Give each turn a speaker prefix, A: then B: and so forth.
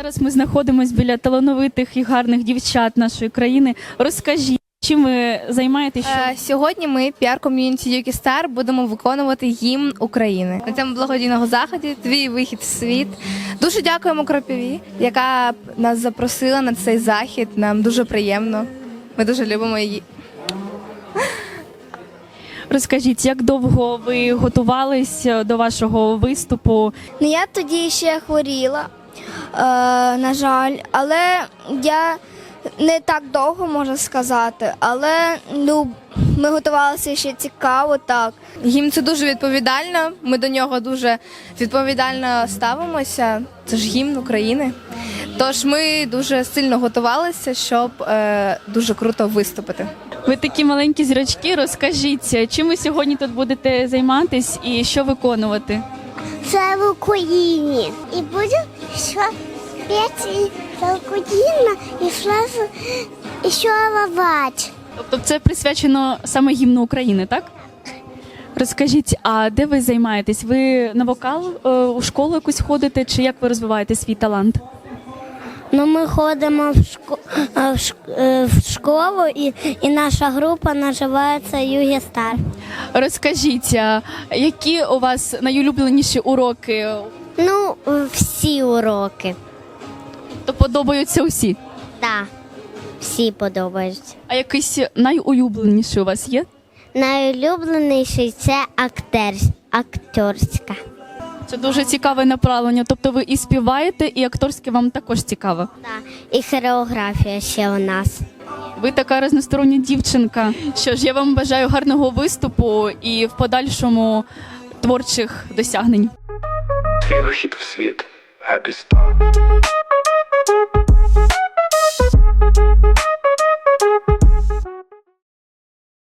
A: Зараз ми знаходимося біля талановитих і гарних дівчат нашої країни. Розкажіть, чим ви займаєтесь?
B: Сьогодні ми, піар-ком'юніті Юкі Стар, будемо виконувати гімн України. На цьому благодійному заході «Твій вихід в світ». Дуже дякуємо Кропиві, яка нас запросила на цей захід. Нам дуже приємно. Ми дуже любимо її.
A: Розкажіть, як довго ви готувались до вашого виступу?
C: Ну, я тоді ще хворіла, на жаль, але я не так довго, можна сказати, але ми готувалися ще цікаво, так.
B: Гімн – це дуже відповідально, ми до нього дуже відповідально ставимося. Це ж гімн України. Тож ми дуже сильно готувалися, щоб дуже круто виступити.
A: Ви такі маленькі зірочки, розкажіть, чим ви сьогодні тут будете займатись і що виконувати?
D: Це в Україні. І буде що п'ять Україна і що лавач.
A: Тобто це присвячено саме гімну України, так? Розкажіть, а де ви займаєтесь? Ви на вокал у школу якусь ходите, чи як ви розвиваєте свій талант?
D: Ну, ми ходимо в школу, і наша група називається Югі Стар.
A: Розкажіть, які у вас найулюбленіші уроки?
D: Ну, всі уроки.
A: То подобаються усі?
D: Так, всі подобаються.
A: А якийсь найулюбленіший у вас є?
D: Найулюбленіший – це акторська.
A: Це дуже цікаве направлення. Тобто ви і співаєте, і акторське вам також цікаво?
D: Так, і хореографія ще у нас.
A: Ви така різностороння дівчинка. Що ж, я вам бажаю гарного виступу і в подальшому творчих досягнень.
E: Твій вихід в світ. Happy Star.